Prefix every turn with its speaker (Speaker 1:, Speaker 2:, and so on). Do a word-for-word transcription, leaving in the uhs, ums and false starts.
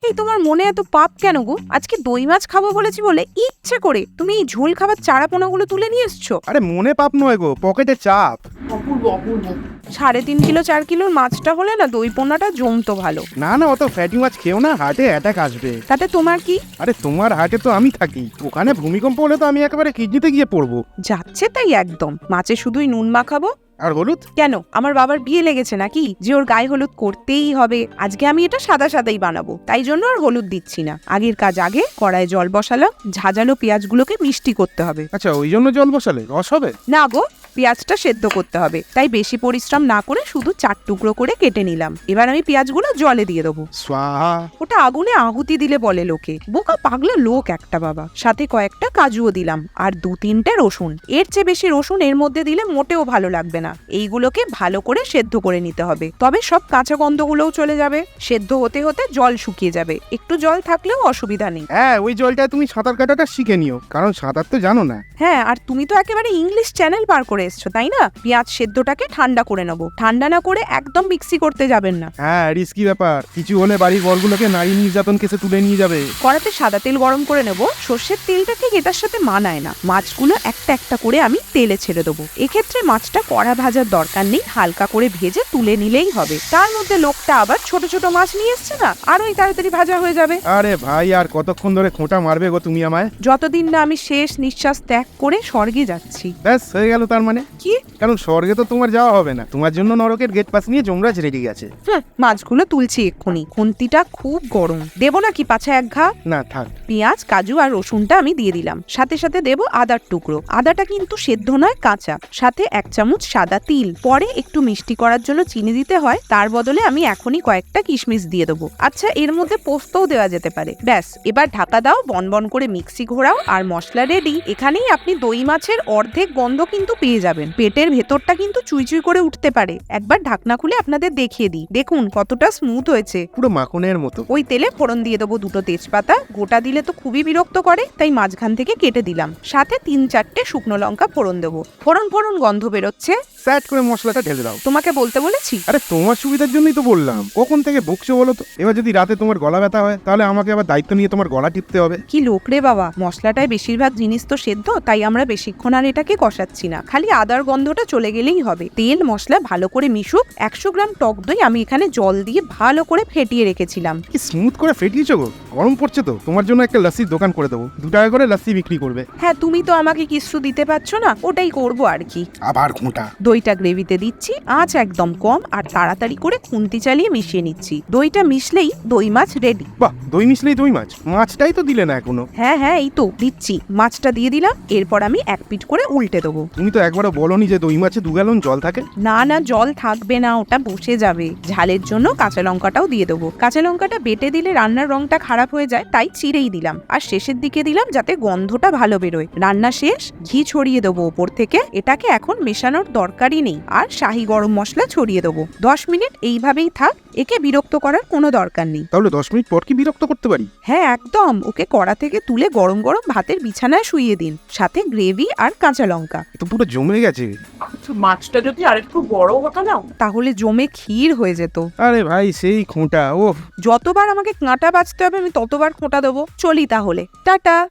Speaker 1: এই তোমার মনে এত পাপ কেন গো? আজকে দই মাছ খাবো বলেছি বলে ইচ্ছে করে তুমি এই ঝোল খাবার চারাপোনাগুলো তুলে নিয়ে এসছো।
Speaker 2: আরে মনে পাপ নয় গো, পকেটে চাপ।
Speaker 1: অপূর্ব অপূর্ব। সাড়ে তিন কিলো চার কিলোর মাছটা হলে না দই পোনাটা জমতো ভালো।
Speaker 2: না না, অত ফ্যাটি মাছ খেও না, হার্টে অ্যাটাক আসবে।
Speaker 1: তাতে তোমার কি?
Speaker 2: আরে তোমার হার্টে তো আমি থাকি, ওখানে ভূমিকম্প হলে তো আমি একেবারে কিডনিতে গিয়ে পড়বো।
Speaker 1: যাচ্ছে তাই একদম। মাছে শুধুই নুন মাখাবো।
Speaker 2: আর হলুদ?
Speaker 1: কেন, আমার বাবার বিয়ে লেগেছে নাকি যে ওর গায়ে হলুদ করতেই হবে? আজকে আমি এটা সাদা সাদাই বানাবো, তাই জন্য আর হলুদ দিচ্ছি না। আগের কাজ আগে, কড়াই জল বসালাম, ঝাঁঝালো পেঁয়াজগুলোকে মিষ্টি করতে হবে।
Speaker 2: আচ্ছা, ওই জন্য জল বসালে রস হবে?
Speaker 1: না গো, পেঁয়াজটা সেদ্ধ করতে হবে, তাই বেশি পরিশ্রম না করে শুধু চার টুকরো করে কেটে নিলাম। এবার আমি পেঁয়াজগুলো জলে দিয়ে দেবো।
Speaker 2: স্বাহা।
Speaker 1: ওটা আগুনে আহুতি দিলে বলে লোকে, বোকা পাগলা লোক একটা বাবা। সাথে কয়েকটা কাজুও দিলাম আর দু তিনটে রসুন। এর চেয়ে বেশি রসুন এর মধ্যে দিলে মোটেও ভালো লাগবে না। এইগুলোকে ভালো করে সেদ্ধ করে নিতে হবে, তবে সব কাঁচা গন্ধগুলোও চলে যাবে। সেদ্ধ হতে হতে জল শুকিয়ে যাবে, একটু জল থাকলেও অসুবিধা নেই।
Speaker 2: হ্যাঁ, ওই জলটা তুমি সাঁতার কাটাটা শিখে নিও, কারণ সাঁতার তো জানো না।
Speaker 1: হ্যাঁ, আর তুমি তো একেবারে ইংলিশ চ্যানেল পার করে এসছো, তাই না? পেঁয়াজ সেদ্ধটাকে ঠান্ডা করে নেবো। ঠান্ডা না করে একদম মিক্সি করতে যাবেন না।
Speaker 2: হ্যাঁ, রিস্কি ব্যাপার, কিছু হলে বাড়ির বরগুলোকে নারী নির্যাতন কেসে তুলে নিয়ে যাবে।
Speaker 1: কড়াতে সাদা তেল গরম করে নেব। সর্ষের তেলটা ঠিক এটার সাথে মানায় না। মাছগুলো একটা একটা করে আমি তেলে ছেড়ে দেবো। এক্ষেত্রে মাছটা কড়া ভাজার দরকার নেই, হালকা করে ভেজে তুলে নিলেই হবে। তার মধ্যে লোকটা আবার ছোট ছোট মাছ নিয়ে এসছে না, আরোই তাড়াতাড়ি ভাজা হয়ে যাবে।
Speaker 2: আরে ভাই, আর কতক্ষণ ধরে খোঁটা মারবে গো তুমি আমায়?
Speaker 1: যতদিন না আমি শেষ নিঃশ্বাস ত্যাগ করে স্বর্গে যাচ্ছি।
Speaker 2: ব্যাস হয়ে গেল তার মানে।
Speaker 1: কি?
Speaker 2: কারণ স্বর্গে তো তোমার যাওয়া হবে না, তোমার জন্য নরকের গেট পাস নিয়ে যমরাজ রেডি গেছে।
Speaker 1: হুম, মাছগুলো তুলছি এক্ষুনি। খুন্তিটা খুব গরম। দেবো নাকি পাছা এক ঘা?
Speaker 2: না থাক।
Speaker 1: পেঁয়াজ, কাজু আর রসুনটা আমি দিয়ে দিলাম। সাথে সাথে দেব আদার টুকরো। আদাটা কিন্তু সেদ্ধ নয়, কাঁচা। সাথে এক চামচ সাদা তিল। পরে একটু মিষ্টি করার জন্য চিনি দিতে হয়, তার বদলে আমি এখনই কয়েকটা কিশমিশ দিয়ে দেবো। আচ্ছা, এর মধ্যে পোস্তও দেওয়া যেতে পারে। ব্যাস, এবার ঢাকা দাও, বনবন করে মিক্সি ঘোরাও, আর মশলা রেডি। এখানেই আপনি দই মাছের অর্ধেক গন্ধ কিন্তু পেয়ে যাবেন। পেটের ভেতরটা কিন্তু চুইচুই করে উঠতে পারে। একবার ঢাকনা খুলে আপনাদের দেখিয়ে দিই, দেখুন কতটা স্মুথ হয়েছে।
Speaker 2: পুরো মাখনের মতো।
Speaker 1: ওই তেলে ফোড়ন দিয়ে দেবো দুটো তেজপাতা। গোটা দিলে তো খুবই বিরক্ত করে, তাই মাঝখান থেকে কেটে দিলাম। সাথে তিন চারটে শুকনো লঙ্কা ফোড়ন দেবো। ফোড়ন ফোড়ন গন্ধ বেরোচ্ছে,
Speaker 2: স্যাট করে মশলাটা ঢেলে দাও।
Speaker 1: তোমাকে বলতে বলেছি।
Speaker 2: আরে তোমার সুবিধার জন্যই তো বললাম, কখন থেকে বকছো বলো তো? এবার যদি রাতে তোমার গলা ব্যথা হয়, তাহলে আমাকে আবার দায়িত্ব নিয়ে তোমার গলা টিপতে হবে।
Speaker 1: কি লোক রে বাবা, মশলাটায় বেশিরভাগ জিনিস তো সেদ্ধ, তাই আমরা বেশিক্ষণ আর এটাকে কষাচ্ছি না। খালি আদার গন্ধটা চলে গেলেই হবে। তেল মশলা ভালো করে মিশুক। একশো গ্রাম টক দই আমি এখানে জল দিয়ে ভালো করে ফেটিয়ে রেখেছিলাম।
Speaker 2: কি স্মুথ করে ফেটিয়েছো গো। গরম পড়ছে তো, তোমার জন্য একটা লস্যির দোকান করে দেবো, দু টাকা করে লস্যি বিক্রি করবে।
Speaker 1: হ্যাঁ, তুমি তো আমাকে কিছু দিতে পারছো না, ওটাই করবো আর কি।
Speaker 2: আবার খোঁটা।
Speaker 1: দইটা গ্রেভিতে দিচ্ছি, আঁচ একদম কম, আর তাড়াতাড়ি করে খুন্তি চালিয়ে মিশিয়ে নিচ্ছি। দইটা মিশলেই দই মাছ রেডি।
Speaker 2: বাহ, দই মিশলেই দই মাছ? মাছটাই তো দিলে না এখনো।
Speaker 1: হ্যাঁ হ্যাঁ, এই তো দিচ্ছি। মাছটা দিয়ে দিলাম। এরপর আমি এক পিঠ করে উল্টে দেবো।
Speaker 2: তুমি তো একবারও বলোনি যে দই মাছে দু গ্যালন জল থাকে।
Speaker 1: না না, জল থাকবে না, ওটা বসে যাবে। ঝালের জন্য কাঁচা লঙ্কাটাও দিয়ে দেবো। কাঁচা লঙ্কাটা বেটে দিলে রান্নার রংটা খারাপ হয়ে যায়, তাই চিড়েই দিলাম। আর শেষের দিকে দিলাম যাতে গন্ধটা ভালো বেরোয়। রান্না শেষ, ঘি ছড়িয়ে দেবো ওপর থেকে। এটাকে এখন মেশানোর দরকারই নেই। আর শাহি গরম মশলা ছড়িয়ে দেবো। দশ মিনিট এইভাবেই থাক, একে বিরক্ত করার কোনো দরকার নেই।
Speaker 2: তাহলে দশ মিনিট পর কি বিরক্ত করতে পারি?
Speaker 1: হ্যাঁ একদম। ওকে কড়া থেকে তুলে গরম গরম ভাতের বিছানায় শুইয়ে দিন, সাথে গ্রেভি আর কাঁচা লঙ্কা।
Speaker 2: তো পুরো জমে গেছে।
Speaker 1: মাছটা যদি আরেকটু বড় হতো না, তাহলে জমে ক্ষীর হয়ে যেত।
Speaker 2: আরে ভাই, সেই খোঁটা। ও,
Speaker 1: যতবার আমাকে কাঁটা বাছতে হবে আমি ততবার খোঁটা দেবো। চলি তাহলে, টাটা।